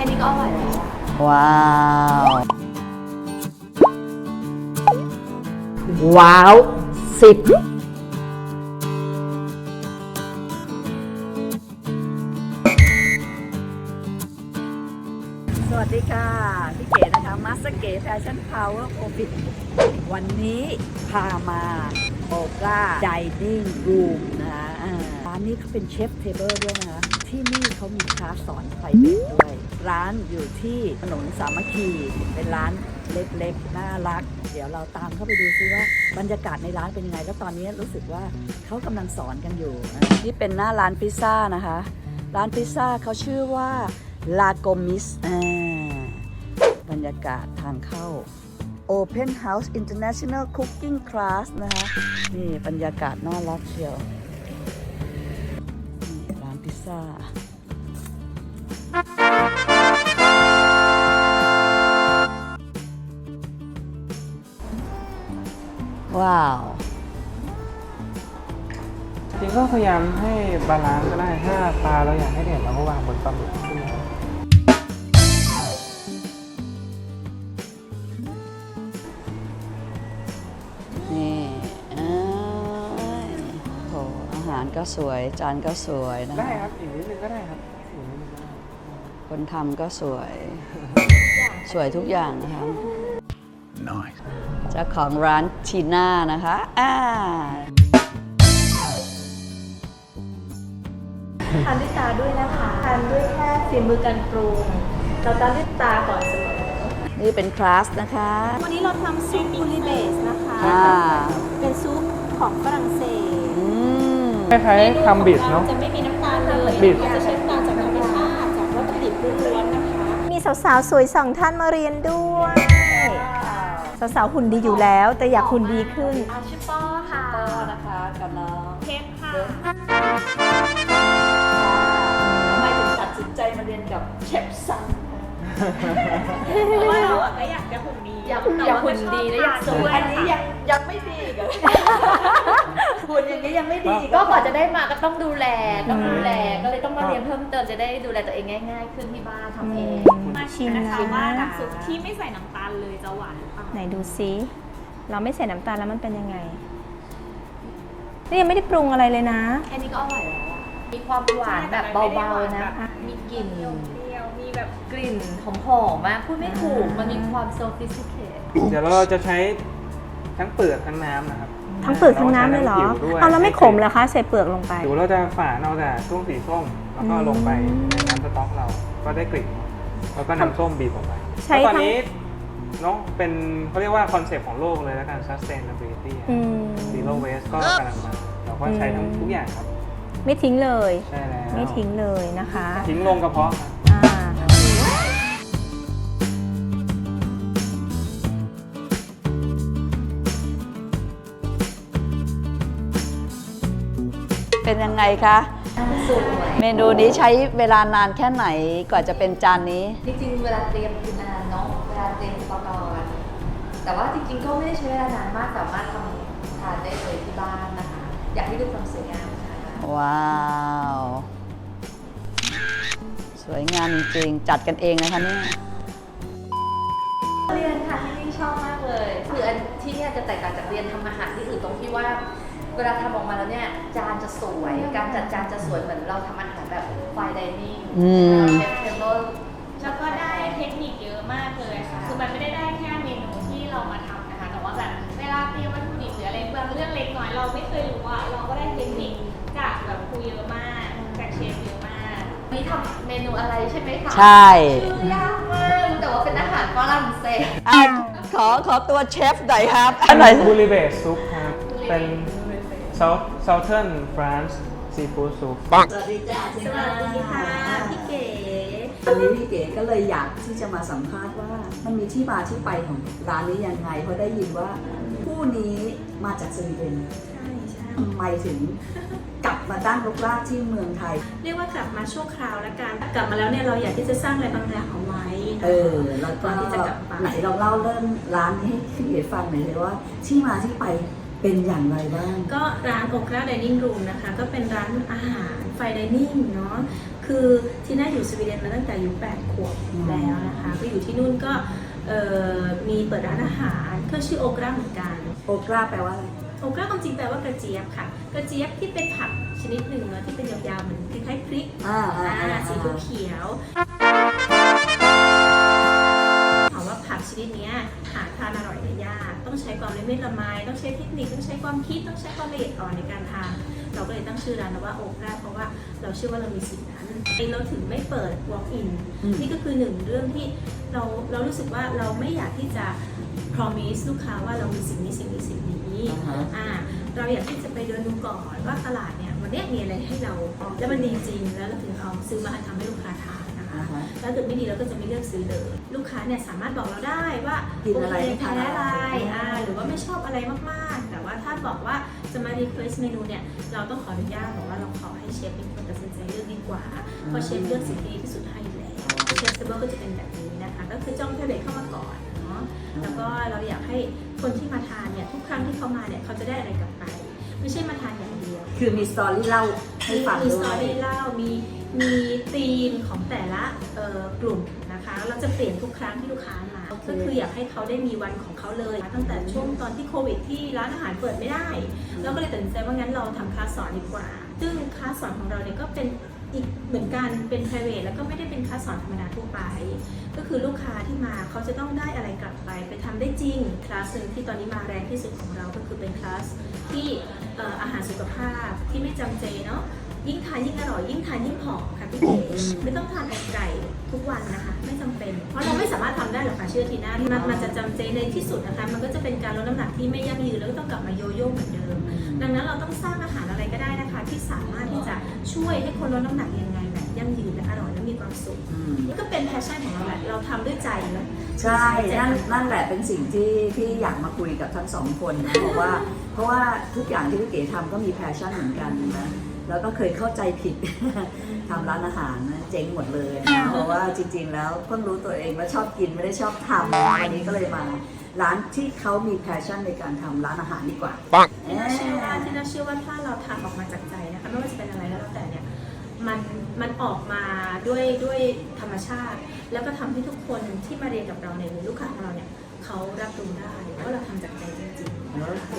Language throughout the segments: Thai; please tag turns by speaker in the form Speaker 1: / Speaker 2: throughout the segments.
Speaker 1: ค่นี้ก็อร่อยแล้ว
Speaker 2: ว้าว ว้าว10สวัสดีค่ะพี่เก๋นะคะมาสเตอร์เก๋แฟชั่นพาวเวอร์โควิดวันนี้พามาโอก้าไดนิ่งรูมนะคะร้านนี้เขาเป็นเชฟเทเบิลด้วยนะคะที่นี่เขามีคลาสสอนไพรเวทด้วย ร้านอยู่ที่ถนนสามัคคีเป็นร้านเล็กๆน่ารักเดี๋ยวเราตามเข้าไปดูซิว่าบรรยากาศในร้านเป็นยังไงแล้วตอนนี้รู้สึกว่าเขากำลังสอนกันอยู่นี่เป็นหน้าร้านพิซซ่านะคะร้านพิซซ่าเขาชื่อว่าลาโกมิสบรรยากาศทางเข้า Open House International Cooking Class นะคะนี่บรรยากาศน่ารักเชียวนี่ร้านพิซซ่าว้าว
Speaker 3: จริงก็พยายามให้บาลานซ์ก็ได้ถ้าปลาเราอยากให้เด่นเราก็วางบนปลาหมึกขึ้นมา
Speaker 2: นี่โหอาหารก็สวยจานก็สวยนะ
Speaker 3: ได้ครับอีกนิดนึงก็ได้ครับอีกนิดนึงก็ได้
Speaker 2: คนทำก็สวย สวยทุกอย่างนะคะ
Speaker 4: Nice.
Speaker 2: เจ้าของร้านทีน่านะคะ
Speaker 1: ทานด้วยตาด้วยนะคะทานด้วยแค่ฝีมือการปรุงเราทานด้วยตาก่อนเสมอ
Speaker 2: นี่เป็นคลาสนะคะ
Speaker 1: วันนี้เราทำซุปบูริเบสนะคะ เป็นซุปของฝรั่งเศส
Speaker 3: คล้ายๆทำบิดเนาะ
Speaker 1: จะไม่มีน้ำตาลเลย
Speaker 3: บิด
Speaker 1: จะใช้น้ำตาลจากธรรมชาติจากวัตถุดิบล้วนๆนะคะ มีสาวๆสวยสองท่านมาเรียนด้วย สาวๆหุ่นดีอยู่แล้ว แต่อยากหุ่นดีขึ้นชื่อป้อค่ะ
Speaker 2: ป้อนะคะกับน้อง
Speaker 1: เทปค่ะ
Speaker 2: ทำไมถึงตัดสินใจมาเรียนกับเชฟซัง
Speaker 1: เพราะว่าเราก็อยากจะหุ่นดีอยากหุ่นดีและอยากสวย
Speaker 2: อันนี้ยังไม่ดีกันหุ่นอย่างนี้ยังไม่ดี
Speaker 1: ก็ก่อนจะได้มาก็ต้องดูแลก็เลยต้องมาเรียนเพิ่มเติมจะได้ดูแลตัวเองง่ายๆขึ้นที่บ้านทำเอง
Speaker 5: มาชิมนะคะว่าน้ำซุปที่ไม่ใส่น้ำตาลเลยจะหวานหรือเปล่า
Speaker 6: ไหนดูซิเราไม่ใส่น้ำตาลแล้วมันเป็นยังไง นี่ยังไม่ได้ปรุงอะไรเลยนะ
Speaker 1: แค่นี้ก็อร่อยแล้วอะมีความหวานแบบเบาๆนะ มีกลิ่น
Speaker 5: เปรี้ยวๆมีแบบ
Speaker 1: กลิ่นหอมๆมากพูดไม่ถูก มันมีความ sophisticated
Speaker 3: เดี๋ยวเราจะใช้ทั้งเปลือกทั้งน้ำนะครับ
Speaker 6: ทั้งเปลือกทั้งน้ำเลยเหรอ
Speaker 3: าใช้ทั้งผิวด้วย
Speaker 6: เอาแล้วไม่ขมเหรอคะใส่เปลือกลงไป
Speaker 3: ผิวเราจะฝานเอาแต่ช่วงสีส้มแล้วก็ลงไปในน้ำสต๊อกเราก็ได้กลิ่นแล้วก็น้ำส้มบีบลงไป
Speaker 6: ใช้
Speaker 3: แล้วตอน
Speaker 6: ทั้ง
Speaker 3: นี้เนาะเป็นเขาเรียกว่าคอนเซปต์ของโลกเลยแล้วกัน sustainability
Speaker 6: อืม
Speaker 3: zero waste ก็กำลังมาเราก็ใช้ทั้งทุกอย่างครับ
Speaker 6: ไม่ทิ้งเลย
Speaker 3: ใช่แล้ว
Speaker 6: ไม่ทิ้งเลยนะคะ
Speaker 3: ทิ้งลงกระเพาะครับ
Speaker 6: อ่า
Speaker 2: เป็นยังไงคะ
Speaker 1: สุด
Speaker 2: เมนูนี้ใช้เวลานานแค่ไหนกว่าจะเป็นจานนี้
Speaker 1: จริงๆ เวลาเตรียมคือนานเนาะ เวลาเตรียมอุปกรณ์แต่ว่าจริงๆ ก็ไม่ได้ใช้เวลานานมาก สามารถทำทานได้เลยที่บ้านนะคะ อยากให้ดูความสวยงามค่ะ
Speaker 2: ว้าว สวยงามจริงๆจัดกันเองนะคะเนี่ย
Speaker 1: เรียนค่ะที่นี่ชอบมากเลย คืออันที่เนี่ยจะแตกต่างจากเรียนทำอาหารที่อื่นตรงที่ว่า เวลาทำออกมาแล้วเนี่ยจานจะสวย การจัดจานจะสวยเหมือนเราทำอาหารแบบไฟน์ไดนิ่ง เชฟเทเบิล
Speaker 5: แล้วก็ได้เทคนิคเยอะมากเลยค่ะ คือมันไม่ได้แค่เมนูที่เรามาทำนะคะ แต่ว่าแบบเวลาเตรียมวัตถุดิบหรืออะไรบางเรื่องเล็กน้อยเราไม่เคยรู้เราก็ได้เทคนิคจากแบบครูเยอะมากจากเชฟเยอะมาก
Speaker 1: นี่ทำเมนูอะไรใช่ไหมคะ
Speaker 2: ใช่
Speaker 1: ชื่อยากมากแต่ว่าเป็นอาหารฝรั่งเศส
Speaker 2: อ่ะขอตัวเชฟหน่อยครับอันไหน
Speaker 3: บูริเบสซุปครับ เป็น Southern France Seafood Soup
Speaker 2: สวัสดีจ้า
Speaker 1: สวัสดีค่ะพี่เก๋
Speaker 2: วันนี้พี่เก๋ก็เลยอยากที่จะมาสัมภาษณ์ว่ามันมีที่มาที่ไปของร้านนี้ยังไงเพราะได้ยินว่าผู้นี้มาจากสวีเดนทำไมถึงกลับมาตั้งรกรากที่เมืองไทย
Speaker 5: เรียกว่ากลับมาชั่วคราวละกัน กลับมาแล้วเนี่ยเราอยากที่จะสร้างอะไรบางอย่างเอาไว้
Speaker 2: แล้วก็
Speaker 5: ก่อนที่จะกลับไป
Speaker 2: ไหนเราเล่าเรื่องร้านนี้ให้พี่เก๋ฟังหน่อยเลยว่าที่มาที่ไปเป็นอย่างไรบ้าง
Speaker 5: ก็ร้านโอคราไดนิ่งรูมนะคะ ก็เป็นร้านอาหารไฟไดนิ่งเนาะ
Speaker 4: คือที่น่าอยู่สวีเดนมาตั้งแต่อายุ8 ขวบแล้วนะคะก็อยู่ที่นู่นก็มีเปิดร้านอาหารก็ชื่อโอกราเหมือนกัน
Speaker 2: โอกราแปลว่าอะไร
Speaker 4: โอกราความจริงแปลว่ากระเจี๊ยบค่ะกระเจี๊ยบที่เป็นผักชนิดหนึ่งเนอะที่เป็นยาวๆเหมือนคล้ายๆพริกสีเขียวถามว่าผักชนิดนี้หาทานอร่อยได้ยากต้องใช้ความละเมียดละไมต้องใช้เทคนิคต้องใช้ความคิดต้องใช้ความละเอียดอ่อนในการทานเราก็เลยตั้งชื่อร้านว่าโอกราเพราะว่าเราเชื่อว่าเรามีสิ่งนั้นเราถึงไม่เปิด walk in นี่ก็คือหนึ่งเรื่องที่เรารู้สึกว่าเราไม่อยากที่จะ promise ลูกค้าว่าเรามีสิ่งนี้เราอยากที่จะไปเดินดูก่อนว่าตลาดเนี่ยวันนี้มีอะไรให้เราแล้วมันดีจริงแล้วเราถึงเอาซื้อมาทำให้ลูกค้าทานนะคะแล้วถ้าเกิดไม่ดีเราก็จะไม่เลือกซื้อเลยลูกค้าเนี่ยสามารถบอกเราได้ว่า
Speaker 2: กินอะไร
Speaker 4: โอเคแพ้อะไรหรือว่าไม่ชอบอะไรมากๆแต่ว่าถ้าบอกว่าจะมา request เมนูเนี่ยเราต้องขออนุญาตบอกว่าเราขอให้เชฟเป็นคนตัดสินใจเลือกดีกว่าเพราะเชฟเลือกสิ่งที่ดีที่สุดให้อยู่แล้วเชฟเซเบิลก็จะเป็นแบบนี้นะคะก็คือจ้องเทเลเข้ามาก่อนเนาะแล้วก็เราอยากให้คนที่มาทานเนี่ยทุกครั้งที่เขามาเนี่ยเขาจะได้อะไรกลับไปไม่ใช่มาทานอย่างเดียว
Speaker 2: คือมีสตอรี่เล่าให้ฟัง
Speaker 4: มี
Speaker 2: ด้
Speaker 4: ส
Speaker 2: ว
Speaker 4: ตอย รี่เล่ามีธีมของแต่ละกลุ่มนะคะเราจะเปลี่ยนทุกครั้งที่ลูกค้ามาก็คืออยากให้เขาได้มีวันของเขาเลยตั้งแต่ช่วงตอนที่โควิดที่ร้านอาหารเปิดไม่ได้เราก็เลยตัดสินใจว่างั้นเราทำคลาสสอนดีกว่าซึ่งคลาสสอนของเราเนี่ยก็เป็นอีกเหมือนกันเป็น private แล้วก็ไม่ได้เป็นคลาสสอนธรรมดาทั่วไปก็คือลูกค้าที่มาเขาจะต้องได้อะไรกลับไปทำได้จริงคลาสหนึ่งที่ตอนนี้มาแรงที่สุดของเราก็คือเป็นคลาสที่อาหารสุขภาพที่ไม่จำเจเนาะยิ่งทานยิ่งอร่อยยิ่งทานยิ่งผอมค่ะพี่เก๋ไม่ต้องทานไก่ทุกวันนะคะไม่จำเป็นเพราะเราไม่สามารถทำได้หรอกค่ะเชื่อทีน่ามันจะจำเจในที่สุดนะคะมันก็จะเป็นการลดน้ำหนักที่ไม่ยั่งยืนแล้วก็ต้องกลับมาโยโย่เหมือนเดิมดังนั้นเราต้องสร้างอาหารอะไรก็ได้นะคะที่สามารถที่จะช่วยให้คนลดน้ำหนักยังไงแบบยั่งยืนและอร่อยและมีความสุขนี่ก็เป็นแพชชั่นของเราแหละเราทำด้วยใจนะ
Speaker 2: ใช่นั่นแหละเป็นสิ่งที่อยากมาคุยกับทั้งสองคนนะเพราะว่าทุกอย่างที่พี่เก๋ทำก็มีแพชชั่นเหมือนกันนะแล้วก็เคยเข้าใจผิด ทำร้านอาหารนะเจ๊งหมดเลยนะเพราะว่าจริงๆแล้วเพิ่งรู้ตัวเองว่าชอบกินไม่ได้ชอบทำวันนี้ก็เลยมาร้านที่เขามีแพชชั่นในการทำร้านอาหารดีกว่า
Speaker 4: ที่น่าเชื่อว่าถ้าเราทำออกมาจากใจนะคะไม่ว่าจะเป็นอะไรก็แล้วแต่เนี่ยมันออกมาด้วยธรรมชาติ แล้วก็ทำให้ทุกคนที่มาเรียนกับเราเนี่ยหรือลูกค้าของเราเนี่ยเขารับรู้ได้ว่าเราทำจากใจจริงๆ
Speaker 2: โอเค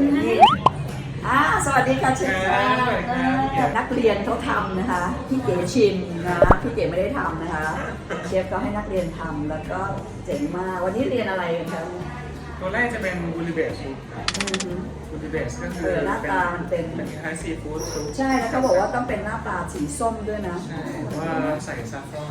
Speaker 2: สวัสดีค่ะเชฟนักเรียนเขาทำนะคะพี่เก๋ชิมนะพี่เก๋ไม่ได้ทำนะคะเชฟก็ให้นักเรียนทำแล้วก็เจ๋งมากวันนี้เรียนอะไรกันคะ
Speaker 3: ตัวแรกจะเป็นบูริเบสซุปบูริเบสก็คือ
Speaker 2: หน้าตามันเป็น
Speaker 3: คล้ายซีฟู้ดซุป
Speaker 2: ใช่แล้วเขาบอกว่าต้องเป็นหน้าปลาสีส้มด้วยนะ
Speaker 3: ใช่เพราะว่าใส่ซาฟรอน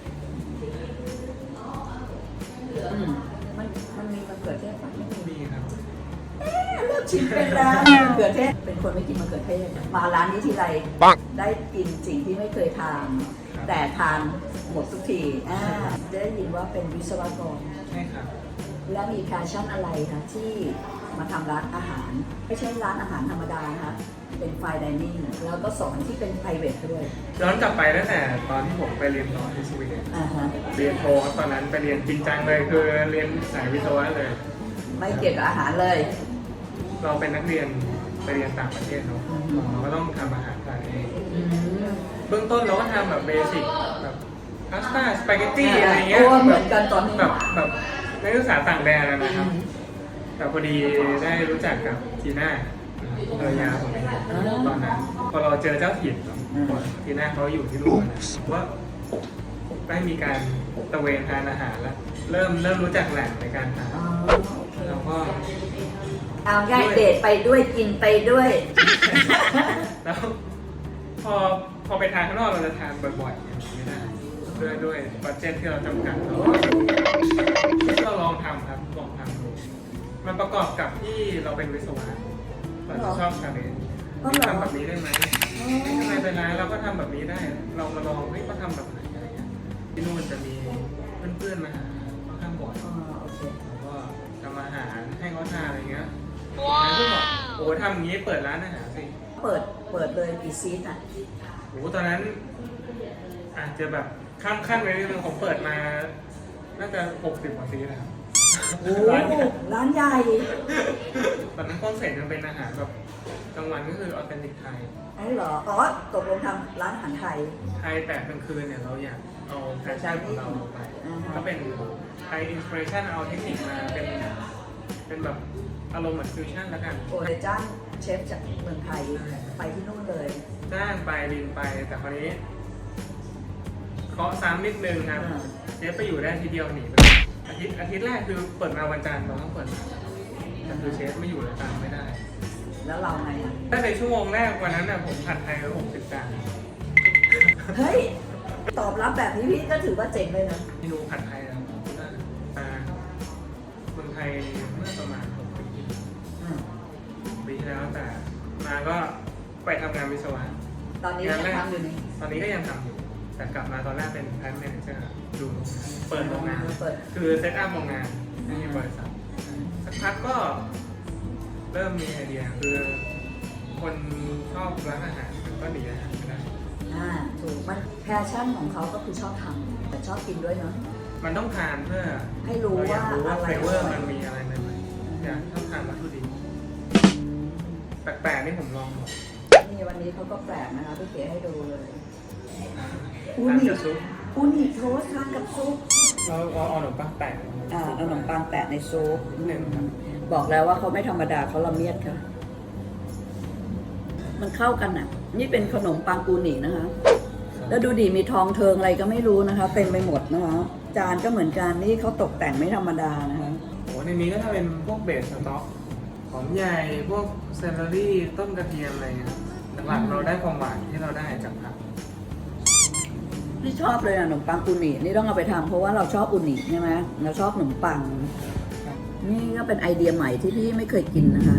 Speaker 2: มันมีมะเขือเทศปะไม่มี
Speaker 3: มีครับ
Speaker 2: เลือกชิมเป็นแล้วมะเขือเทศเป็นคนไม่กินมะเขือเทศมาร้านนี้ทีไรได้กินสิ่งที่ไม่เคยทานแต่ทานหมดทุกทีได้ยินว่าเป็นวิศวกร
Speaker 3: ใช่ครับ
Speaker 2: แล้วมีแพชชั่นอะไรคะที่มาทำร้านอาหารไม่ใช่ร้านอาหารธรรมดานะคะเป็นไฟน์ไดนิ่งแล้วก็สอนที่เป็น private ด้วย
Speaker 3: ย้อนกลับไปตั้งแต่ตอนที่ผมไปเรียนต่อที่สวีเดนเรียนโทครับตอนนั้นไปเรียนจริงจังเลยคือเรียนสายวิศวะเลย
Speaker 2: ไม่เกี่ยวกับอาหารเลย
Speaker 3: เราเป็นนักเรียนไปเรียนต่างประเทศเนาะเราก็ต้องทำอาหารทานเองเบื้องต้นเราก็ทำแบบเบสิกแบบพาสต้าสปาเกตตี้อะไรเงี้ย
Speaker 2: เหมือนกันตอนนี้
Speaker 3: แบบนักศึกษาต่างแดนนะครับแต่พอดีได้รู้จักกับทีน่าภรรยาผมเองตอนนั้นพอเราเจอเจ้าถิ่นทีน่าเขาอยู่ที่นู่นนะว่าได้มีการตระเวนทานอาหารแล้วเริ่มรู้จักแหล่งในการทานแล้วก็
Speaker 2: เอาง่ายเดทไปด้วยกินไปด้วย
Speaker 3: แล้วพอไปทานข้างนอกเราจะทานบ่อยๆไม่ได้ด้วยบัดเจ็ตที่เราจำกัดเราลองทำครับลองทำดูมันประกอบกับที่เราเป็นวิศวะเราจะชอบชาเลนจ์ทำแบบนี้ได้ไหมไม่เป็นไรเราก็ทำแบบนี้ได้เรามาลองก็ทำแบบไหนอะไรเงี้ยที่นู่นจะมีเพื่อนๆมาหาค่อนข้างบ่อยแล้วก็ทำอาหารให้เขาทานอะไรเงี้ยแล้วก็บอกโอ้ทำอย่างนี้เปิดร้านอาหารสิ
Speaker 2: เปิดเลยกี่ซีทอ่ะ
Speaker 3: โอ้ตอนนั้นอาจจะแบบข้ามขั้นไปนิดนึงผมเปิดมาน่าจะ60 กว่าซีแล้ว
Speaker 2: โอ้ร้านใหญ่
Speaker 3: ตอนนั้นคอนเซ็ปต์มันเป็นอาหารแบบกลางวันก็คือออเทนติกไทย
Speaker 2: อ๋อเหรอ อ๋อ ตกลงทำร้านอาหารไทย
Speaker 3: ไทยแต่กลางคืนเนี่ยเราอยากเอาแฟชั่นของเราลงไป
Speaker 2: อ่าฮะ
Speaker 3: ก็เป็นไทยอินสปิเรชันเอาเทคนิคมาเป็นแบบอารมณ์เหมือนฟิวชั่นแล้วกัน
Speaker 2: โอ้เลยจ้างเชฟจากเมืองไทยไปที่นู่นเลย
Speaker 3: จ้างไปบินไปแต่คราวนี้เคาะซ้ำนิดนึงครับ
Speaker 2: อ่า
Speaker 3: เชฟไปอยู่ได้ทีเดียวหนีไปอาทิตย์แรกคือเปิดมาวันจันทร์เราต้องเปิดมาแต่คือเชฟไม่อยู่เลยตามไม่ได้
Speaker 2: แล้วเราไงอ่ะ
Speaker 3: ถ้าในชั่วโมงแรกวันนั้นน่ะผมผัดไทยไป60 จาน
Speaker 2: เฮ้ย ตอบรับแบบนี้พี่ก็ถือว่าเจ๋งเลยนะ
Speaker 3: เมนูผัดไทยนะครับมาเมืองไทยเมื่อประมาณ6 ปี
Speaker 2: อืม
Speaker 3: ปีที่แล้วแต่มาก็ไปทำงานวิศวะ
Speaker 2: ตอนนี้ยังทำอยู่นี่
Speaker 3: ตอนนี้ก็ยังทำอยู่ แต่กลับมาตอนแรกเป็นแพลนแมเนเจอร์ดูเปิดโรงงาน
Speaker 2: เปิด
Speaker 3: คือเซตอัพโรงงานในบริษัทสักพักก็เริ่มมีไอเดียคือคนชอบร้านอาหารมันก็ดีอาหารไม่ได้
Speaker 2: ถูก มันแพชชั่นของเขาก็คือชอบทำแต่ชอบกินด้วยเนาะ
Speaker 3: มันต้องทานเพื่อ
Speaker 2: ให้รู้
Speaker 3: เอยากรู้ว่า
Speaker 2: ว่าอะไร
Speaker 3: เฟเวอร์มันมีอะไรใหม่ๆอยากชอบทานวัตถุดิบแปลกๆนี่ผมลองหมด
Speaker 2: นี่วันนี้เขาก็แปลกนะคะพี่เก๋ให้ดูเลย อู
Speaker 3: ทาน
Speaker 2: นิ
Speaker 3: กับซุป
Speaker 2: อูนิโทสต์ทานกับซุป
Speaker 3: เราเอาขนมปังแปะ
Speaker 2: เอาขนมปังแปะในซุป
Speaker 3: นิดนึงครับ
Speaker 2: บอกแล้วว่าเขาไม่ธรรมดาเขาละเมียดค่ะ มันเข้ากันอ่ะ นี่เป็นขนมปังอูนินะคะ แล้วดูดิมีทองเทิงอะไรก็ไม่รู้นะคะเต็มไปหมดนะคะ จานก็เหมือนกันนี่เขาตกแต่งไม่ธรรมดานะคะ
Speaker 3: โอ้ในนี้ก็ถ้าเป็นพวกเบสสต๊อกหอมใหญ่พวกเซลล์รี่ต้นกระเทียมอะไรเงี้ยหลักๆเราได้ความหวานที่เราได้จากผัก
Speaker 2: นี่ชอบเลยอะขนมปังอูนินี่ต้องเอาไปทำเพราะว่าเราชอบอูนิใช่ไหมเราชอบขนมปัง นี่ก็เป็นไอเดียใหม่ที่พี่ไม่เคยกินนะคะ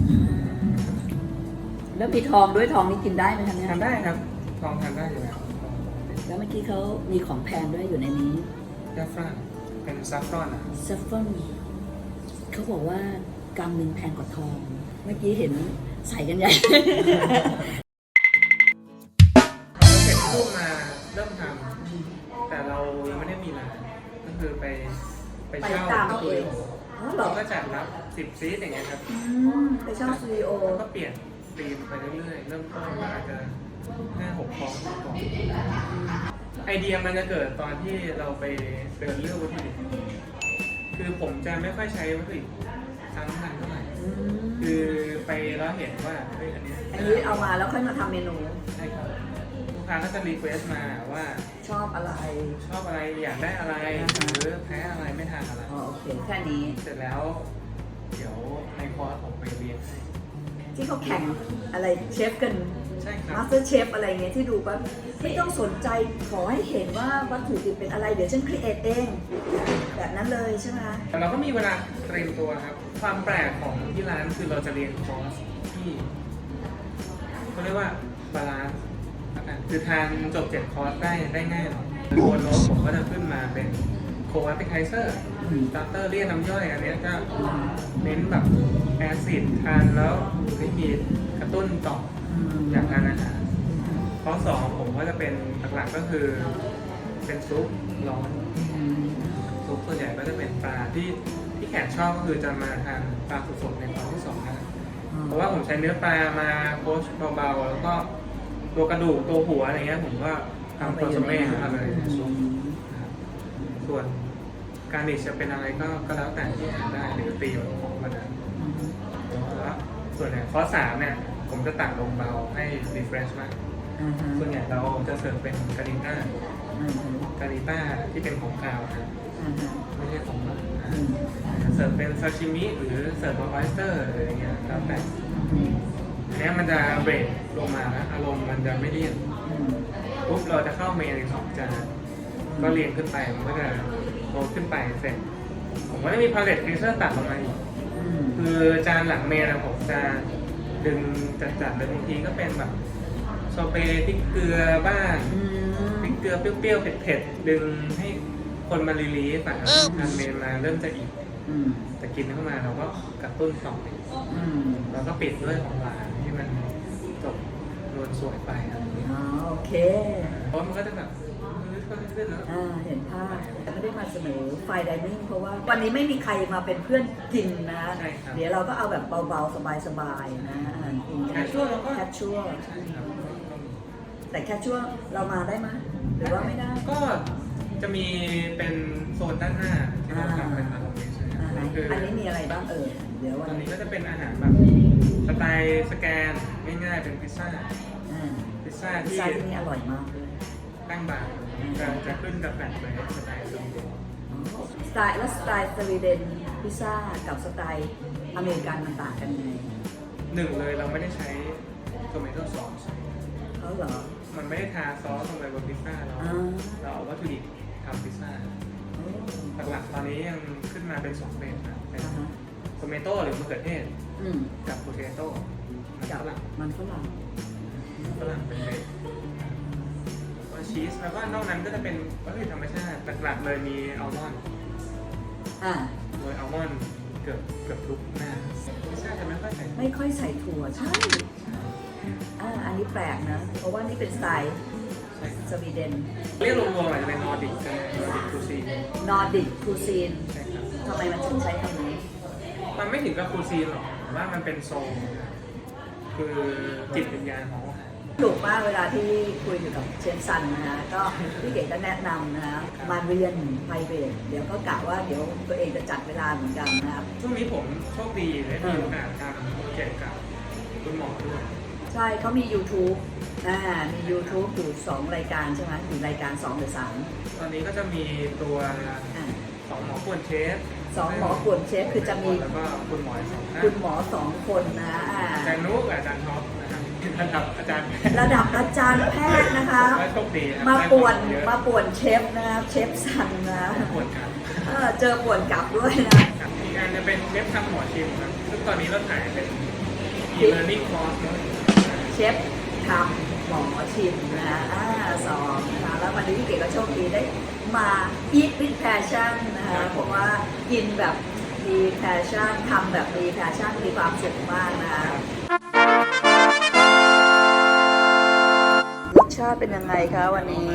Speaker 2: แล้วมีทองด้วยทองนี่กินได้ไหมคะเนี่ย
Speaker 3: ทานได้ครับทองทานได้อยู่แล้ว
Speaker 2: แล้วเมื่อกี้เขามีของแพงด้วยอยู่ในนี้
Speaker 3: แซฟรอนเป็นซัฟรอนอ่ะ
Speaker 2: ซัฟฟอนเขาบอกว่ากรัมหนึ่งแพงกว่าทอง เมื่อกี้เห็นใส่กันใหญ่
Speaker 3: เสร็จรูปมาเริ่มทำแต่เรายังไม่ได้มีร้านก็คือไปเช่า
Speaker 2: ไปตาม
Speaker 3: สตูดิโอ
Speaker 2: อ๋อเหรอ
Speaker 3: เราก็จัดรับ10 ซีทอย่างเงี้ยครับ
Speaker 2: ไปเช่าสตูดิโอ
Speaker 3: แล้วก็เปลี่ยนธีมไปเรื่อยๆเริ่มต้นมาอาจจะ5-6 คอร์สก่อนไอเดียมันจะเกิดตอนที่เราไปเดินเลือกวัตถุดิบคือผมจะไม่ค่อยใช้วัตถุดิบซ้ำกันเท่าไหร่คือไปแล้วเห็นว่าเฮ้ยอันเนี้ย
Speaker 2: อันนี้เอามาแล้วค่อยมาทำเมนู
Speaker 3: ใช่ครับลูกค้าก็จะรีเควสมาว่า
Speaker 2: ชอบอะไร
Speaker 3: ชอบอะไรอยากได้อะไรหรือแพ้อะไรไม่ทานอะไร
Speaker 2: อ๋อโอเคแค่นี้
Speaker 3: เสร็จแล้ว เดี๋ยวในคอร์สผมไปเรียนให้
Speaker 2: ที่เขาแข่งอะไรเชฟกัน
Speaker 3: ใช่ครับ
Speaker 2: มาสเตอร์เชฟอะไรเงี้ยที่ดูปั๊บไม่ต้องสนใจขอให้เห็นว่าวัตถุดิบเป็นอะไรเดี๋ยวฉันครีเอทเอง แบบนั้นเลยใช่ไหม
Speaker 3: แต่เราก็มีเวลาเตรียมตัวครับ ความแปลกของที่ร้านคือเราจะเรียนคอร์สที่เขาเรียกว่าบาลานซ์คือทานจบ7 คอร์สได้ง่ายหน่อยตัวโน้ตผมก็จะขึ้นมาเป็นโคแอปเปิลไทเซอร์สตาร์เตอร์เรียกน้ำย่อยอันเนี้ยก็เน้นแบบแอซิดทานแล้วไม่มีกระตุ้นต่ออยากทานอาหารข้อ2ผมก็จะเป็นหลักๆก็คือเป็นซุปร้อนซุปส่วนใหญ่ก็จะเป็นปลาที่แขกชอบก็คือจะมาทานปลาสดๆในตอนที่2นะเพราะว่าผมใช้เนื้อปลามาโคชเบาๆแล้วก็ตัวกระดูกตัวหัวอะไรเงี้ยผมก็ทำคอนโซเม่มาเลยในซุปนะครับส่วนการนิชจะเป็นอะไรก็แล้วแต่ที่ทานได้หรือตีของมันนะแล้วส่วนใหญ่ข้อ3เนี่ยผมจะตักลงเบาให้รีเฟรชมากส่วนใหญ่เราจะเสิร์ฟเป็นการิต้ที่เป็นของคาวครับไม่ใช่ของหวานเสิร์ฟเป็นซาชิมิหรือเสิร์ฟเป็นออสเตอร์อะไรอย่างเงี้ยแล้วแต่อันนี้มันจะเบรกลงมาแล้วอารมณ์มันจะไม่เลี่ยนปุ๊บเราจะเข้าเมนอีก2 จานก็เรียงขึ้นไปมันก็จะโตขึ้นไปเสร็จผมก็จะมีพาเลตฟรีเซอร์ตัดลงมาอีกคือจานหลังเมนนะผมจะดึงจัดเลยบางทีก็เป็นแบบโซเปพริกเกลือบ้างพริกเกลือเปรี้ยวๆเผ็ดๆดึงให้คนมารีลีฟทานเมนมาเริ่มจะอิ่มแต่กินเข้ามาเราก็กระตุ้นต่อแล้วก็ปิดด้วยของหวานที่มันจบนวลสวยไปอะไรอย่างเงี้ย
Speaker 2: อ๋อโอเค
Speaker 3: เพราะมันก็จะแบบขึ้นแล้ว
Speaker 2: เห็นภาพแต่ไม่ได้มาเสนอไฟไดนิ่งเพราะว่าวันนี้ไม่มีใครมาเป็นเพื่อนกินนะ
Speaker 3: ใช่ครับ
Speaker 2: เดี๋ยวเราก็เอาแบบเบาๆ สบายๆนะอาหารกิน
Speaker 3: แคชชัวร์เราก็
Speaker 2: แคชชัวร์
Speaker 3: ใช่ครับก็มี
Speaker 2: แต่แคชชัวร์เรามาได้ไหมหรือว่าไม่ได้
Speaker 3: ก็จะมีเป็นโซนด้านหน้าที่เราทำเป็นอาหารใช่ไหม
Speaker 2: ไหน
Speaker 3: คือ
Speaker 2: อันนี้มีอะไรบ้างเดี๋ยว
Speaker 3: ต
Speaker 2: วั
Speaker 3: อน น
Speaker 2: นี้
Speaker 3: นี้ก็จะเป็นอาหารแบบสไตล์สแกนง่ายๆเป็นพิซซ่า พิซซ่า
Speaker 2: พิซ
Speaker 3: ที่
Speaker 2: ซ่าที่นี่อร่อยมากเลย
Speaker 3: ตั้งบางจะขึ้นกับแฟลตเลยสไตล์สวีเดน
Speaker 2: สไตล์สวีเดนพิซซ่ากับสไตล์อเมริกันมันต่างกันยังไง
Speaker 3: หนึ่งเลยเราไม่ได้ใช้โทเมโต้ซอส
Speaker 2: เขาเหรอ
Speaker 3: มันไม่ได้ทาซอสลงไปบนพิซซ่าเรา
Speaker 2: อ่า
Speaker 3: เราเอาวัตถุดิบทำพิซซ่าหลักๆตอนนี้ยังขึ้นมาเป็น2เบสนะเป็นโทเมโต้หรือมะเขือเทศ
Speaker 2: อืม
Speaker 3: กับโพเทโต้
Speaker 2: กับ
Speaker 3: ฝรั่ง
Speaker 2: มันฝรั่ง
Speaker 3: เป็นเบสแล้วชีสแล้วก็นอกนั้นก็จะเป็นวัตถุดิบธรรมชาติหลักๆเลยมีอัลมอนด์
Speaker 2: อ่า
Speaker 3: โดยอัลมอนด์เกือบทุกหน้าพิซซ่าจะไม่ค่อยใส่
Speaker 2: ไม่ค่อยใส่ถั่วใช่อันนี้แปลกนะ เพราะว่านี่เป็นสไตล์
Speaker 3: ใช่ครับ
Speaker 2: สวีเดน
Speaker 3: เรียกรวมๆอาจจะเป็นนอร์ดิกกันนอร์ดิกคูซีน
Speaker 2: นอร์ดิกคูซีน
Speaker 3: ใช่ครับ
Speaker 2: ทำไมมันถึงใช้คำนี้
Speaker 3: มันไม่ถึงกับคูซีนหรอกแต่ว่ามันเป็นโซนคือจิตวิญญาณของอาหาร
Speaker 2: ถูกมากเวลาที่คุยอยู่กับเชฟซันนะฮะก็พี่เก๋ก็แนะนำนะฮะมาเรียนไพรเวทเดี๋ยวก็กะว่าเดี๋ยวตัวเองจะจัดเวลาเหมือนกันนะครับ
Speaker 3: ช่วงนี้ผมโชคดีได้มีโอกาสทำโปรเจกต์กับคุณหมอด้วย
Speaker 2: ใช่เขามี YouTube มี YouTube อยู่2รายการใช่ไหมอยู่รายการ2หรือ3
Speaker 3: ตอนนี้ก็จะมีตัว
Speaker 2: อ่า
Speaker 3: 2หมอป่วนเชฟ
Speaker 2: 2หมอป่วนเชฟคือจะมี
Speaker 3: แล้วก็คุณหมอสองท่าน
Speaker 2: คุณหมอ2คนนะ
Speaker 3: อาจารย์นุกกับอาจารย์ท็อปนะครับระดับอาจารย์
Speaker 2: ระดับอาจารย์แพทย์นะคะ
Speaker 3: และโชคดีครับ
Speaker 2: มาป่วน
Speaker 3: ได้
Speaker 2: มาป่วนเชฟนะครับเชฟซันนะ
Speaker 3: ป่วนครับ
Speaker 2: เจอป่วนกลับด้วยนะ
Speaker 3: ครับอีกอันจะเป็นเชฟทำหมอชิมครับซึ่งตอนนี้เราถ่ายเป็น e-learning course เนอะ
Speaker 2: เชฟทำหมอชิมนะสองนะคะแล้ววันนี้พี่เก๋ก็โชคดีได้มา eat with passion นะคะเพราะว่ากินแบบมี passion ทำแบบมี passion มีความสุขมากนะคะรสชาติเป็นยังไงคะวันนี้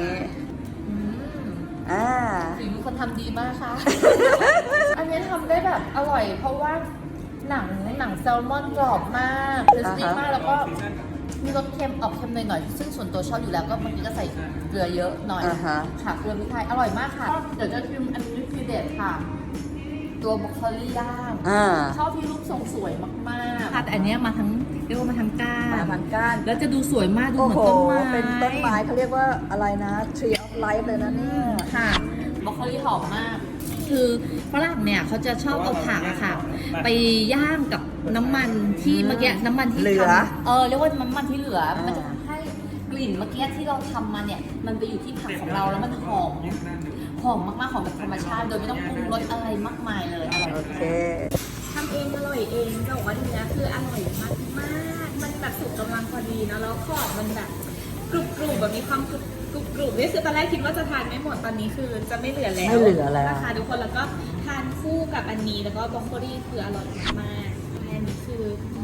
Speaker 1: ฝีมือคนทำดีมากค่ะ อันนี้ทำได้แบบอร่อย เพราะว่าหนังแซลมอนกรอบมากคริสปี้มากแล้วก็มีรสเค็มออกเค็มหน่อยๆซึ่งส่วนตัวชอบอยู่แล้วก็บางทีก็ใส่เกลือเยอะหน่อยค่ะเกลือพริกไทยอร่อยมากค่ะเดี๋ยวจะชิมอันนี้คือเด็ดค่ะ ตัวบรอกโคลีย่างชอบที่รูปทรงสวยมากๆค่ะแต่อันนี้มาทั้งเรียกว่ามาทั้งก้าน
Speaker 2: มาพันก้าน
Speaker 1: แล้วจะดูสวยมากดู
Speaker 2: โอ้
Speaker 1: เหมือน
Speaker 2: โห
Speaker 1: ต้นไม้
Speaker 2: เป็นต้นไม้เขาเรียกว่าอะไรนะ Tree of Life เลยนะเนี่ย
Speaker 1: ค่ะบรอกโคลีหอมมาก คือฝรั่งเนี่ยเขาจะชอบเอาผักอะค่ะ ไปย่างกับน้ำมันที่เมื่อกี้น้ำมันที่
Speaker 2: เหลือ
Speaker 1: ทำเรียกว่าน้ำมันที่เหลือมันจะทำให้กลิ่นเมื่อกี้ที่เราทำมาเนี่ยมันไปอยู่ที่ผักของเราแล้วมันหอมมากๆหอมแบบธรรมชาติโดยไม่ต้องปรุงรสอะไรมากมายเลยอร่อย
Speaker 2: โอเค
Speaker 5: ทำเองอร่อยเองจะบอกว่าเนื้อคืออร่อยมากมากๆมันแบบสุกกำลังพอดีเนอะแล้วขอบมันแบบกรุบกรุบแบบมีความกรุบนี่คือตอนแรกคิดว่าจะทานไม่หมดตอนนี้คือจะไม่เหลือแล้ว
Speaker 2: ไม่เหลือแล้ว
Speaker 5: นะคะทุกคนแล้วก็ทานคู่กับอันนี้แล้วก็บรอกโคลีคืออร่อยมากอันนี้คือ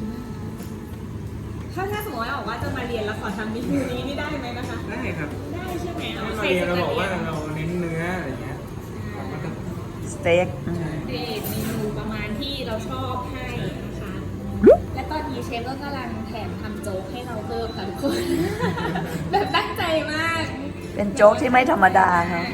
Speaker 5: ถ้าสมมติว่าบอกว่าจะมาเรียนแล้วขอทำเมนูนี้นี่ได้ไหมนะคะ
Speaker 3: ได้ครับ
Speaker 5: ได้ใช่ไหม
Speaker 3: เราเรียนเราบอกว่าเราเน้นเนื้ออะไรเงี้ยเราก็จะ
Speaker 2: สเต็ก
Speaker 5: เดทเมนูประมาณที่เราชอบให้นะคะ และตอนนี้เชฟก็กำลังแถมทำโจ๊กให้เราเพิ่มค่ะทุกคน แบบตั้งใจมาก
Speaker 2: เป็นโจ๊กที่ไม่ธรรมดาครับ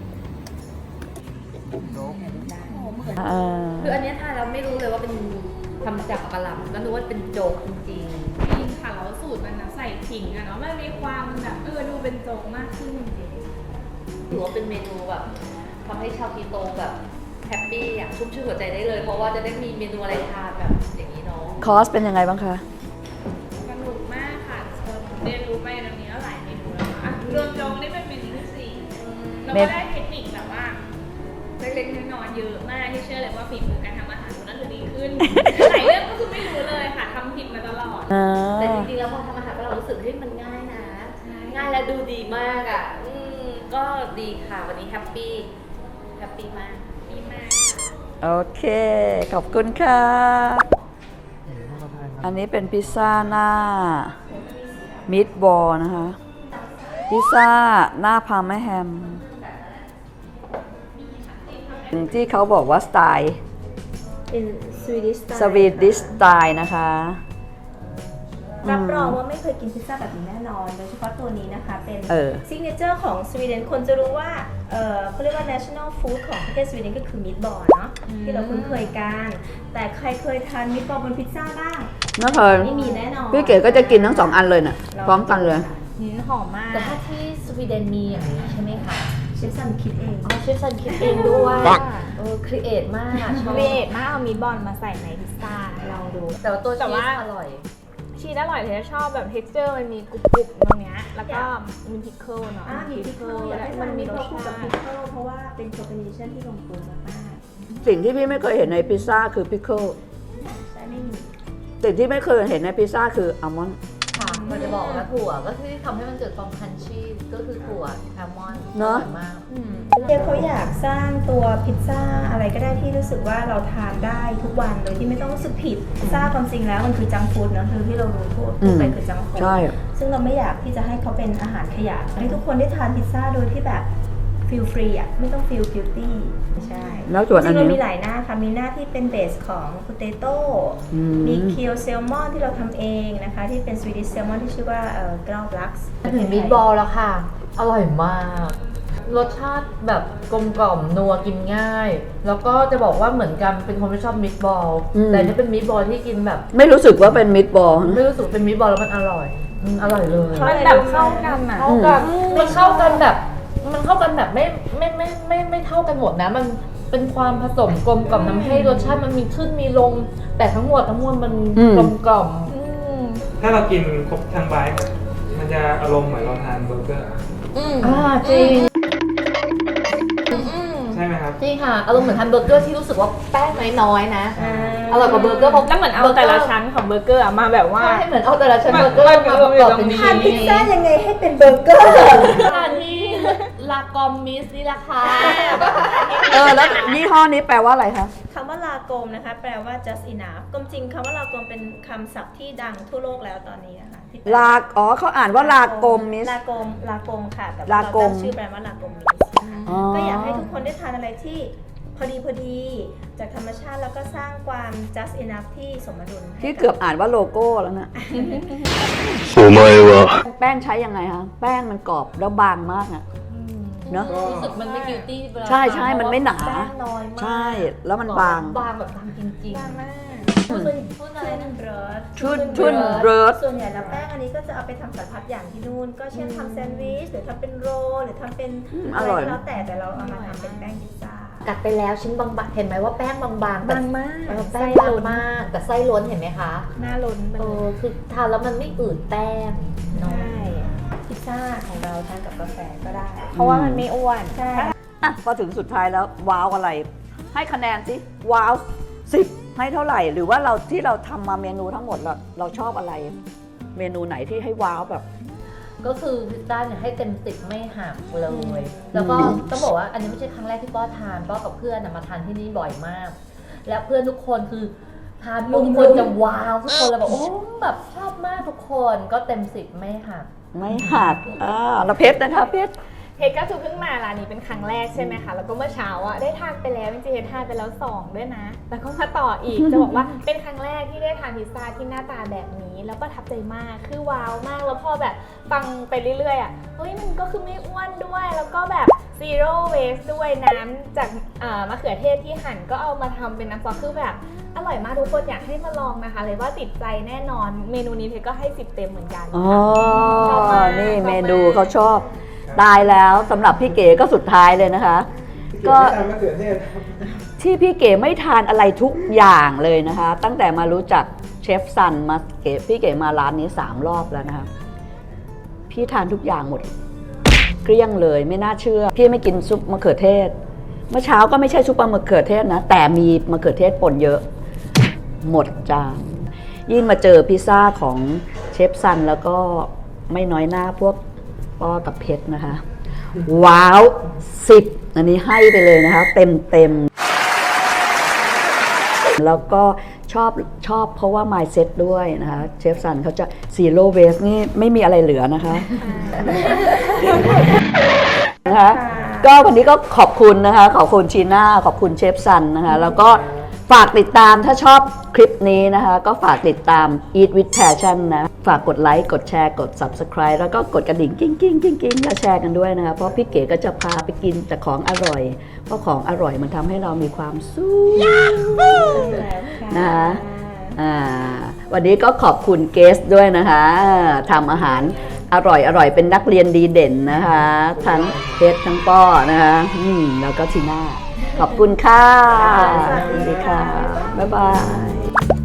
Speaker 1: คืออันเนี้ยทานเราไม่รู้เลยว่าเป็นทำจากกะหล่ำก็นึกว่าเป็นโจ๊กจริง
Speaker 5: จริงค่ะแล้วสูตรมันนะใส่ขิงอะเนาะมันมีความแบบดูเป็นโจ๊กมากขึ้นจริง
Speaker 1: ๆถือว่าเป็นเมนูแบบทำให้ชาวคีโตแบบแฮปปี้อยากชุ่มชื่นหัวใจได้เลย เพราะว่าจะได้มีเมนูอะไรทานแบบอย่างนี้เนาะ
Speaker 2: คอสเป็นยังไงบ้างคะ
Speaker 5: สนุกมากค่ะเรียนรู้ไปตรงนี้แล้วหลายเมนูแล้วค่ะรวมโจ๊กนี่เป็นเมนูที่สี่แล้วก็ได้เทคนิคแบบว่าเล็กๆน้อยๆเยอะมากที่เชื่อเลยว่าฝีมือการทำอาหารของนั่นคือดีขึ้น หลายเรื่องก็คือไม่รู้เลยค่ะทำผิดมาตลอด
Speaker 1: แต่จริงๆแล้วพอทำอาหารเรารู้สึกที่มันง่ายนะ ง่ายและดูดีมากอ่ะก็ดีค่ะวันนี้แฮปปี้มาก
Speaker 5: ดีมาก
Speaker 2: โอเค ขอบคุณค่ะ อันนี้เป็นพิซซ่าหน้ามิตบอลนะคะ พิซซ่าหน้าพาร์มาแฮมที่เขาบอกว่าสไตล์
Speaker 4: เป็นสวีดิช
Speaker 2: สวีดิชสไตล์นะคะ
Speaker 4: รับรองว่าไม่เคยกินพิซซ่าแบบนี้แน่นอน โดยเฉพาะตัวนี้นะคะเป็น
Speaker 2: เออ
Speaker 4: ซิกเนเจอร์ของสวีเดนคนจะรู้ว่าเขาเรียกว่า national food ของประเทศสวีเดนก็คือมิตบอลเนาะที่เราคุ้นเคยกัน แต่ใครเคยทานมิตบอลบนพิซซ่าบ้าง
Speaker 2: ไม่เคย
Speaker 4: ไม่มีแน่นอน
Speaker 2: พี่เก๋ก็จะกินทั้ง2 อันเลยน่ะพร้อมกันเลย
Speaker 6: หอมมาก
Speaker 1: แต่ถ้าที่สวีเดนมีอย่างนี้ใช่ไหมคะ
Speaker 4: เชฟซันคิดเอง
Speaker 1: อ๋อเชฟซันคิดเองด้วยครีเอทมากชอบ
Speaker 6: เวทมากเอามีดบอลมาใส่ในพิซซ่าลองดู
Speaker 1: แต่ว่าตัว
Speaker 6: แต่
Speaker 1: ชี
Speaker 6: ว่า
Speaker 1: สอร่อย
Speaker 6: ชีสอร่อยเลยชอบแบบ texture มันมีกรุบๆตรงเนี้ยแล้วก็มีพิคเกิลเนาะ
Speaker 4: มีพิคเกิลอยากให้
Speaker 6: มั
Speaker 4: มัน น
Speaker 6: มี
Speaker 4: มี
Speaker 6: ร
Speaker 4: ร
Speaker 6: ส
Speaker 4: ส
Speaker 6: ชา
Speaker 4: กับ
Speaker 6: ติ
Speaker 4: พิคเกิลเพราะว่าเป็นคอมบิเนชันที่ลงตัวมาก
Speaker 2: สิ่งที่พี่ไม่เคยเห็นในพิซซ่าคือพิคเกิล
Speaker 4: ๆใช่ไม่มี
Speaker 2: สิ่งที่ไม่เคยเห็นในพิซซ่าคืออัลมอนด์
Speaker 1: ค่ะมันจะบอกว่าถั่วก็ที่ทำให้มันเกิดความคันชี่ก็คือถั่วแอลมอนด์อร่อยมาก
Speaker 4: เดี๋ยวเขาอยากสร้างตัวพิซซ่าอะไรก็ได้ที่รู้สึกว่าเราทานได้ทุกวันโดยที่ไม่ต้องรู้สึกผิดพิซซ่าความจริงแล้วมันคือจังก์ฟู้ดเนอะคือที่เรารู้ทั่วไปคือจังก์ฟู้ด
Speaker 2: ใช่
Speaker 4: ซึ่งเราไม่อยากที่จะให้เขาเป็นอาหารขยะให้ทุกคนได้ทานพิซซ่าโดยที่แบบฟีลฟรีอ่ะไม่ต้องฟีลกิลตี้ใช่
Speaker 2: แล้วส่วน
Speaker 4: จ
Speaker 2: อั
Speaker 4: ริ
Speaker 2: น
Speaker 4: งๆ
Speaker 2: นี้
Speaker 4: เรามีหลายหน้าค่ะมีหน้าที่เป็นเบสของโพเตโต้ มีเคียวแซลมอนที่เราทำเองนะคะที่เป็นสวีดิชแซลมอนที่ชื่อว่ากราวลักซ์
Speaker 1: ถึงมีดบอลแล้วค่ะ อร่อยมาก รสชาติแบบกลมกล่อมนัวกินง่าย แล้วก็จะบอกว่าเหมือนกันเป็นคนไม่ชอบมิตบอล แต่อันนี่เป็นมิตบอลที่กินแบบ
Speaker 2: ไม่รู้สึกว่าเป็นมิตบอล
Speaker 1: ไม่รู้สึกเป็นมิตบอลแล้วมันอร่อยอร่อยเลย
Speaker 6: มันแบบเข้ากันอ่ะ
Speaker 1: เข้ากันมันเข้ากันแบบไม่เท่ากันหมดนะ มันเป็นความผสมกลมกล่อมทำให้รสชาติมันมีขึ้นมีลง แต่ทั้งหมดมันกลมกล่อม
Speaker 3: ถ้าเรากินครบทั้งไบต์มันจะอารมณ์เหมือนเราทานเบอร์เกอร์
Speaker 1: จริง
Speaker 3: ใช่ไหมครับ
Speaker 1: จริงค่ะอารมณ์เหมือนทานเบอร์เกอร์ที่รู้สึกว่าแป้งน้อยๆนะอร่อยกว่าเบอร์เกอร์เพราะ
Speaker 6: แล้วเหมือนเอาแต่ละชั้นของเบอร์เกอร์อะมาแบบว่า
Speaker 1: ใช่เหมือนเอาแต่ละชั้นเบอร์เกอร์มาประกอบเป็น
Speaker 4: ทานพิซซ่ายังไงให้เป็นเบอร์เกอร์
Speaker 1: ทานที่ลากอมมิสนี่แหละค่ะ
Speaker 2: แล้วยี่ห้อนี้แปลว่าอะไรคะ
Speaker 4: คำว่าลากมนะคะแปลว่า just enough กลมจริงคำว่าลากมเป็นคำศัพท์ที่ดังทั่วโลกแล้วตอนนี้นะคะที่แป
Speaker 2: เขาอ่านว่าลากมมิส
Speaker 4: ลากมค่ะแต่ว่า
Speaker 2: ลา
Speaker 4: เรา
Speaker 2: กม
Speaker 4: ตั้งชื่อแบรนด์ว่าลากมมิสก็อยากให้ทุกคนได้ทานอะไรที่พอดีจากธรรมชาติแล้วก็สร้างความ just enough ที่สมดุลให้
Speaker 2: ที่เกือบอ่านว่าโลโก้แล้วนะ
Speaker 7: お前は
Speaker 2: แป้งใช้ยังไงคะ แป้งมันกรอบแล้วบางมากอะเนอะ
Speaker 1: รู้สึกมันไม่กิวตี้เวลา
Speaker 2: ใช่มันไม่หนา
Speaker 1: แป้งน้อยมาก
Speaker 2: ใช่แล้วมันบาง
Speaker 1: บางแบบบางจริง
Speaker 4: บางมาก
Speaker 1: พูดอะไรนะ
Speaker 2: ชุนเริร์ด
Speaker 4: ส่วนใหญ่แล้วแป้งอันนี้ก็จะเอาไปทำสารพัดอย่างที่นู่น ก็เช่นทำแซนด์วิชหรือทำเป็นโรลหรือทำเป็น
Speaker 2: อร่อย
Speaker 4: ก็แล้วแต่เราเอามาทำเป็นแป้งพิซซ่า
Speaker 1: กัดไปแล้วชิ้นบางๆเห็นไหมว่าแป้งบางๆแต่
Speaker 6: บางมาก
Speaker 1: แป้งบางมาก แต่ไส้ล้วนเห็นไหมคะ
Speaker 6: หน้าล้นไปเลย
Speaker 1: คือทานแล้วมันไม่อืดแป้งเนาะ
Speaker 4: ใช่พิซซ่าของเราทานกับกาแฟก็ได้
Speaker 6: เพราะว่ามันไม่อ้วน
Speaker 4: ใช่
Speaker 2: อ่ะพอถึงสุดท้ายแล้วว้าวอะไร ให้คะแนนสิว้าว10ให้เท่าไหร่ หรือว่าที่เราทำมาเมนูทั้งหมดเราชอบอะไร เมนูไหนที่ให้ว้าวแบบ
Speaker 1: ก็คือพิซซ่าเนี่ยให้เต็ม10ไม่หักเลย แล้วก็ต้องบอกว่าอันนี้ไม่ใช่ครั้งแรกที่ป้อทานป้อกับเพื่อนมาทานที่นี่บ่อยมาก และเพื่อนทุกคนคือทานปุ๊บทุกคนจะว้าวทุกคนเลยแบบโอ้แบบชอบมากทุกคนก็เต็ม10ไม่หัก
Speaker 2: ไม่หักแล้วเพชรนะคะเพชร
Speaker 6: เพชรก็คือเพิ่งมาร้านนี้เป็นครั้งแรกใช่ไหมคะ แล้วก็เมื่อเช้าอ่ะได้ทานไปแล้วจริงๆเพชรทานไปแล้ว2ด้วยนะ แล้วก็มาต่ออีก จะบอกว่าเป็นครั้งแรกที่ได้ทานพิซซ่าที่หน้าตาแบบนี้ แล้วประทับใจมาก คือว้าวมาก แล้วพอแบบฟังไปเรื่อยๆอ่ะ เฮ้ยมันก็คือไม่อ้วนด้วย แล้วก็แบบ zero waste ด้วยน้ำจากมะเขือเทศที่หั่นก็เอามาทำเป็นน้ำซอสคือแบบอร่อยมากทุกคนอยากให้มาลองนะคะ เลยว่าติดใจแน่นอน เมนูนี้เพชรก็ให้10 เต็มเหมือนกัน
Speaker 2: อ๋อ
Speaker 6: ชอบมาก
Speaker 2: นี่
Speaker 6: ชอบมาก
Speaker 2: เมนูเขาชอบ ตายแล้วสำหรับพี่เก๋ก็สุดท้ายเลยนะคะ ก็
Speaker 3: ทานมะเขือเทศ
Speaker 2: ที่พี่เก๋ไม่ทานอะไรทุกอย่างเลยนะคะ ตั้งแต่มารู้จักเชฟซันมาพี่เก๋มาร้านนี้3 รอบแล้วนะคะพี่ทานทุกอย่างหมดเกลี้ยงเลยไม่น่าเชื่อ พี่ไม่กินซุปมะเขือเทศ เมื่อเช้าก็ไม่ใช่ซุปมะเขือเทศนะแต่มีมะเขือเทศป่นเยอะหมดจานยิ่งมาเจอพิซซ่าของเชฟซันแล้วก็ไม่น้อยหน้าพวกป้อกับเพชรนะคะ ว้าว10อันนี้ให้ไปเลยนะคะเต็มแล้วก็ชอบเพราะว่า mindset ด้วยนะคะเชฟซันเขาจะ zero waste นี่ไม่มีอะไรเหลือนะคะนะคะก็วันนี้ก็ขอบคุณนะคะขอบคุณชีน่าขอบคุณเชฟซันนะคะแล้วก็ฝากติดตามถ้าชอบคลิปนี้นะคะก็ฝากติดตาม Eat with Passion นะฝากกดไลค์กดแชร์กด Subscribe แล้วก็กดกระดิ่งกิ้งกิ้งกิ้งกิ้งแล้วแชร์กันด้วยนะคะเพราะพี่เก๋ก็จะพาไปกินแต่ของอร่อยเพราะของอร่อยมันทำให้เรามีความสุขนะคะวันนี้ก็ขอบคุณเกสด้วยนะคะทำอาหารอร่อยเป็นนักเรียนดีเด่นนะคะทั้งเฮดทั้งป้อนะคะแล้วก็ทีน่าขอบคุณค่ะสวัสดีค่ะบ๊ายบาย